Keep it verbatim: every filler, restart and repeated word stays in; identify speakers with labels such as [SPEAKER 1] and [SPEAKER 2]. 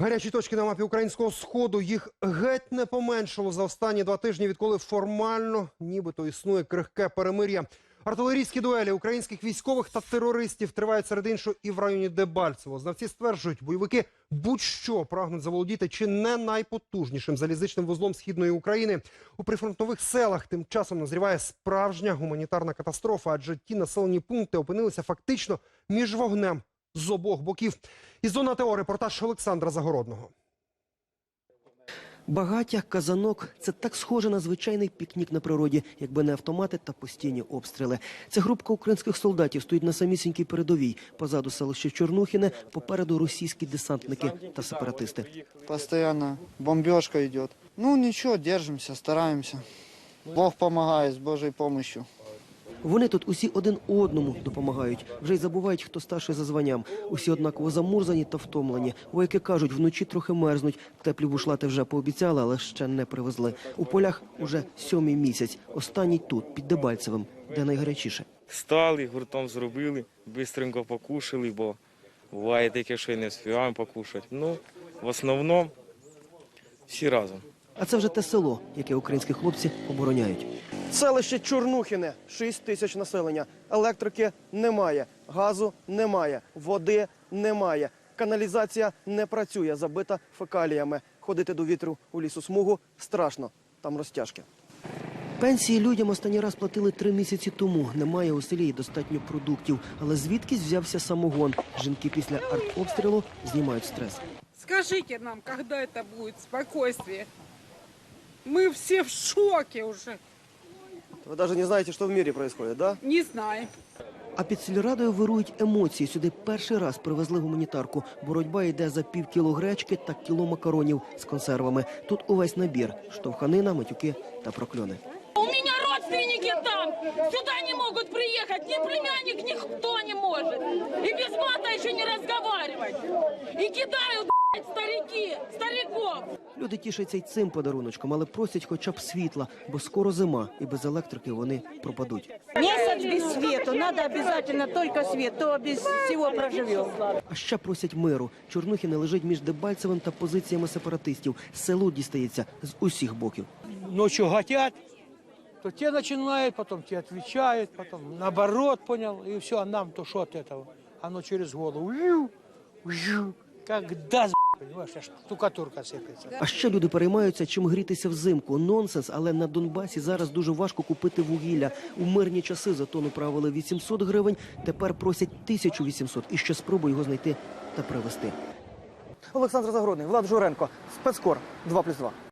[SPEAKER 1] Гарячі точки на мапі українського Сходу, їх геть не поменшало за останні два тижні, відколи формально нібито існує крихке перемир'я. Артилерійські дуелі українських військових та терористів тривають серед іншого і в районі Дебальцево. Знавці стверджують, бойовики будь-що прагнуть заволодіти чи не найпотужнішим залізничним вузлом Східної України. У прифронтових селах тим часом назріває справжня гуманітарна катастрофа, адже ті населені пункти опинилися фактично між вогнем з обох боків. Із зони АТО репортаж Олександра Загородного.
[SPEAKER 2] Багаття, казанок – це так схоже на звичайний пікнік на природі, якби не автомати та постійні обстріли. Ця групка українських солдатів стоїть на самісінькій передовій. Позаду селище Чорнухіне, попереду російські десантники та сепаратисти.
[SPEAKER 3] Постоянно бомбежка йде. Ну нічого, держимося, стараємося. Бог допомагає з Божою допомогою.
[SPEAKER 2] Вони тут усі один одному допомагають. Вже й забувають, хто старший за званням. Усі однаково замурзані та втомлені. Вояки кажуть, вночі трохи мерзнуть. Теплі бушлати вже пообіцяли, але ще не привезли. У полях уже сьомий місяць. Останній тут, під Дебальцевим, де найгарячіше.
[SPEAKER 4] Стали, гуртом зробили, швидко покушали, бо буває таке, що й не встигаємо покушати. Ну, в основному всі разом.
[SPEAKER 2] А це вже те село, яке українські хлопці обороняють. Селище Чорнухіне, шість тисяч населення. Електрики немає, газу немає, води немає. Каналізація не працює, забита фекаліями. Ходити до вітру у лісосмугу страшно, там розтяжки. Пенсії людям останній раз платили три місяці тому. Немає у селі і достатньо продуктів. Але звідкись взявся самогон? Жінки після артобстрілу знімають стрес.
[SPEAKER 5] Скажіть нам, коли це буде спокійствие? Ми всі в шокі вже.
[SPEAKER 2] Ви навіть не знаєте, що в світі відбувається, да?
[SPEAKER 5] Не знаю.
[SPEAKER 2] А під сільрадою вирують емоції. Сюди перший раз привезли гуманітарку. Боротьба йде за пів кіло гречки та кіло макаронів з консервами. Тут увесь набір – штовханина, матюки та прокльони.
[SPEAKER 6] У меня родственники там, сюда не могут приехать, ни племянник, никто не может. И без мата еще не разговаривать. И кидают, блядь, старики, стариков.
[SPEAKER 2] Люди тішаться й цим подаруночком, але просять хоча б світла, бо скоро зима, і без електрики вони пропадуть.
[SPEAKER 7] Месяц без света, надо обязательно только свет, то без всего проживем.
[SPEAKER 2] А ще просять миру. Чорнухіне лежить між Дебальцевим та позиціями сепаратистів. Селу дістається з усіх боків.
[SPEAKER 8] Ночью хотят, то те начинают, потом те отвечают, потом наоборот, понял, и все, а нам то что от этого? Оно через голову, вью, вью, как даст, понимаешь, аж штукатурка сыпется.
[SPEAKER 2] А ще люди переймаються, чим грітися взимку. Нонсенс, але на Донбасі зараз дуже важко купити вугілля. У мирні часи за тонну правили вісімсот гривень, тепер просять тисячу вісімсот. І ще спробуй його знайти та привезти. Олександр Загородний, Влад Журенко, Спецкор, два плюс два.